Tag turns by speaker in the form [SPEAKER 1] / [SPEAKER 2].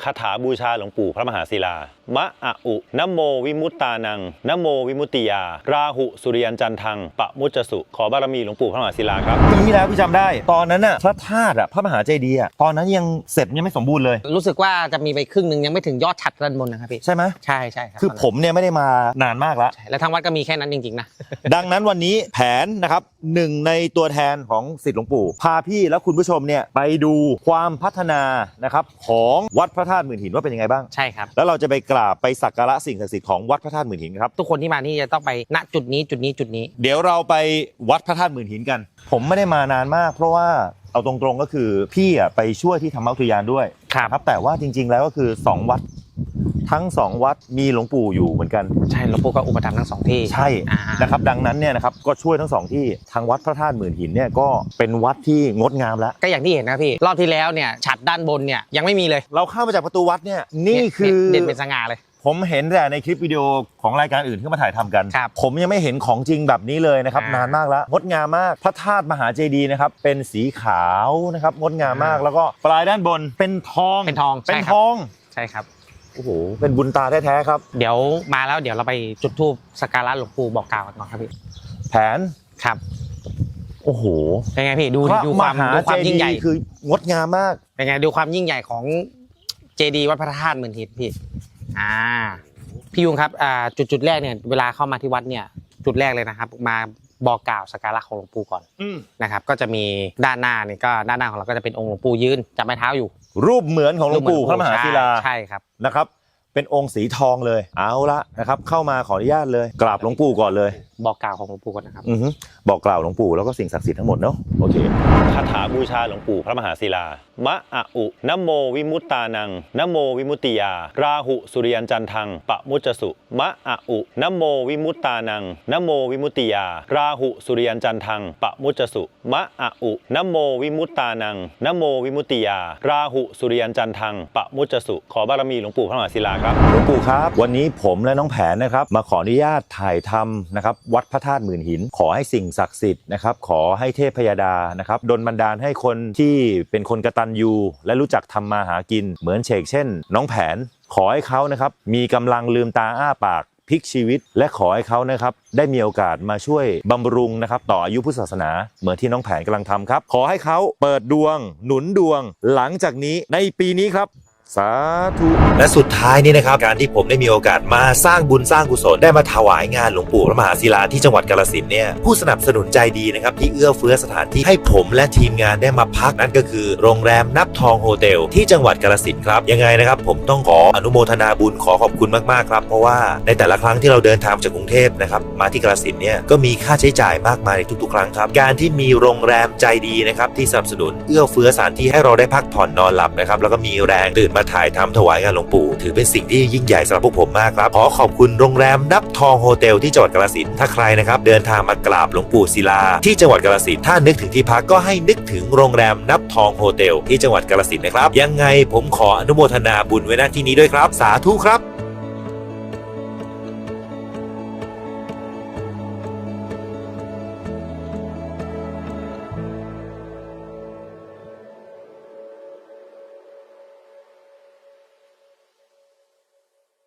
[SPEAKER 1] คาถาบูชาหลวงปู่พระมหาศิลามะอะอุนะโมวิมุตตานังนะโมวิมุตติยาราหุสุริยันจันทังปะมุจจสุขอบารมีหลวงปู่พระมหาศิลาครับ
[SPEAKER 2] ปีที่แล้วพี่จำได้ตอนนั้นน่ะพระธาตุพระมหาเจดีย์ตอนนั้นยังเสร็จยังไม่สมบูรณ์เลย
[SPEAKER 3] รู้สึกว่าจะมีไปครึ่งนึงยังไม่ถึงยอดฉัตรด้านบนนะครับพี่
[SPEAKER 2] ใช่ไหม
[SPEAKER 3] ใช่ครับ
[SPEAKER 2] คือผมเนี่ยไม่ได้มานานมากแล้ว
[SPEAKER 3] และทางวัดก็มีแค่นั้นจริงๆนะ
[SPEAKER 2] ดังนั้นวันนี้แผนนะครับหนึ่งในตัวแทนของศิษย์หลวงปู่พาพี่และคุณผู้ชมเนี่ยไปดูความพัฒนานะครับของวัดพระธาตุหมื่นหินว่าเป็นยังไงบ้าง
[SPEAKER 3] ใช่ครับ
[SPEAKER 2] แล้วเราจะไปกราบไปสักการะสิ่งศักดิ์สิทธิ์ของวัดพระธาตุหมื่นหินครับ
[SPEAKER 3] ทุกคนที่มานี่จะต้องไปณจุดนี้
[SPEAKER 2] เดี๋ยวเราไปวัดพระธาตุหมื่นหินกันผมไม่ได้มานานมากเพราะว่าเอาตรงๆก็คือพี่ไปช่วยที่ธรรมอุทยานด้วยครับแต่ว่าจริงๆแล้วก็คือ2วัดทั้ง2วัดมีหลวงปู่อยู่เหมือนกัน
[SPEAKER 3] ใช่หลวงปู่ก็อุปถัมภ์ทั้ง2ที่
[SPEAKER 2] ใช่นะครับดังนั้นเนี่ยนะครับก็ช่วยทั้ง2ที่ทางวัดพระธาตุหมื่นหินเนี่ยก็เป็นวัดที่งดงามแล้ว
[SPEAKER 3] ก็อย่างที่เห็นนะพี่รอบที่แล้วเนี่ยฉัตรด้านบนเนี่ยยังไม่มีเลย
[SPEAKER 2] เราเข้ามาจากประตูวัดเนี่ยนี่คือ
[SPEAKER 3] เด่นเป็นสง่าเลย
[SPEAKER 2] ผมเห็นแต่ในคลิปวิดีโอของรายการอื่นที่มาถ่ายทำกันผมยังไม่เห็นของจริงแบบนี้เลยนะครับนานมากแล้วงดงามมากพระธาตุมหาเจดีย์นะครับเป็นสีขาวนะครับงดงามมากแล้วก็ปลายด้านบนเป็นทอง
[SPEAKER 3] ใช่ครับ
[SPEAKER 2] โอ้โหเป็นบุญตาแท้ๆครับ
[SPEAKER 3] เดี๋ยวมาแล้วเดี๋ยวเราไปจุดธูปสักการะหลวงปู่บอกกล่าวกันก่อนครับพี่
[SPEAKER 2] แผน
[SPEAKER 3] ครับ
[SPEAKER 2] โอ้โห
[SPEAKER 3] เป็นไงพี่ดูความยิ่งใหญ่
[SPEAKER 2] คืองดงามมาก
[SPEAKER 3] เป็นไงดูความยิ่งใหญ่ของเจดีย์วัดพระธาตุหมื่นหินพี่พี่ยุงครับจุดแรกเนี่ยเวลาเข้ามาที่วัดเนี่ยจุดแรกเลยนะครับมาบอกกล่าวสักการะของหลวงปู่ก่อนนะครับก็จะมีด้านหน้านี่ก็ด้านหน้าของเราก็จะเป็นองค์หลวงปู่ยืนจับไม้เท้าอยู่
[SPEAKER 2] รูปเหมือนของหลวงปู่พระมหาศิลา
[SPEAKER 3] ใช่ครับ
[SPEAKER 2] นะครับเป็นองค์สีทองเลยเอาละนะครับเข้ามาขออนุญาตเลยกราบหลวงปู่ก่อนเลย
[SPEAKER 3] บอกกล่าวของหลวงปู่ก่อนนะครับ
[SPEAKER 2] บอกกล่าวหลวงปู่แล้วก็สิ่งศักดิ์สิทธิ์ทั้งหมดเนาะโอเค
[SPEAKER 1] คาถาบูชาหลวงปู่พระมหาศิลามะอะอุนะโมวิมุตตานังนะโมวิมุตติยาราหุสุริยันจันทังปะมุจจสุมะอะอุนะโมวิมุตตานังนะโมวิมุตติยาราหุสุริยันจันทังปะมุจจสุมะอะอุนะโมวิมุตตานังนะโมวิมุตติยาราหุสุริยันจันทังปะมุจจสุขอบารมีหลวงปู่พระมหาศิลาครับ
[SPEAKER 2] หลวงปู่ครับวันนี้ผมและน้องแผนนะครับมาขออนุญาตถ่ายทำนะครับวัดพระธาตุหมื่นหินขอให้สิ่งศักดิ์สิทธิ์นะครับขอให้เทพพยาดานะครับดลบันดาลให้คนที่เป็นคนกตัญญูและรู้จักทำมาหากินเหมือนเช่นน้องแผนขอให้เขานะครับมีกำลังลืมตาอ้าปากพลิกชีวิตและขอให้เขานะครับได้มีโอกาสมาช่วยบำรุงนะครับต่ออายุพุทธศาสนาเหมือนที่น้องแผนกำลังทำครับขอให้เขาเปิดดวงหนุนดวงหลังจากนี้ในปีนี้ครับสาธุและสุดท้ายนี้นะครับการที่ผมได้มีโอกาสมาสร้างบุญสร้างกุศลได้มาถวายงานหลวงปู่พระมหาศิลาที่จังหวัดกาฬสินธุ์เนี่ยผู้สนับสนุนใจดีนะครับที่เอื้อเฟื้อสถานที่ให้ผมและทีมงานได้มาพักนั่นก็คือโรงแรมนับทองโฮเทลที่จังหวัดกาฬสินธุ์ครับยังไงนะครับผมต้องขออนุโมทนาบุญขอบคุณมากๆครับเพราะว่าในแต่ละครั้งที่เราเดินทางจากกรุงเทพนะครับมาที่กาฬสินธุ์เนี่ยก็มีค่าใช้จ่ายมากมายในทุกๆครั้งครับการที่มีโรงแรมใจดีนะครับที่สนับสนุนเอื้อเฟื้อสถานที่ให้เราได้พักผ่อนนอนหลับนะครับแล้วก็มีแรงตื่นมาถ่ายทำถวายงานหลวงปู่ถือเป็นสิ่งที่ยิ่งใหญ่สำหรับพวกผมมากครับขอขอบคุณโรงแรมนับทองโฮเทลที่จังหวัดกาฬสินธุ์ถ้าใครนะครับเดินทางมากราบหลวงปู่ศิลาที่จังหวัดกาฬสินธุ์ถ้านึกถึงที่พักก็ให้นึกถึงโรงแรมนับทองโฮเทลที่จังหวัดกาฬสินธุ์นะครับยังไงผมขออนุโมทนาบุญไว้ณที่นี้ด้วยครับสาธุครับ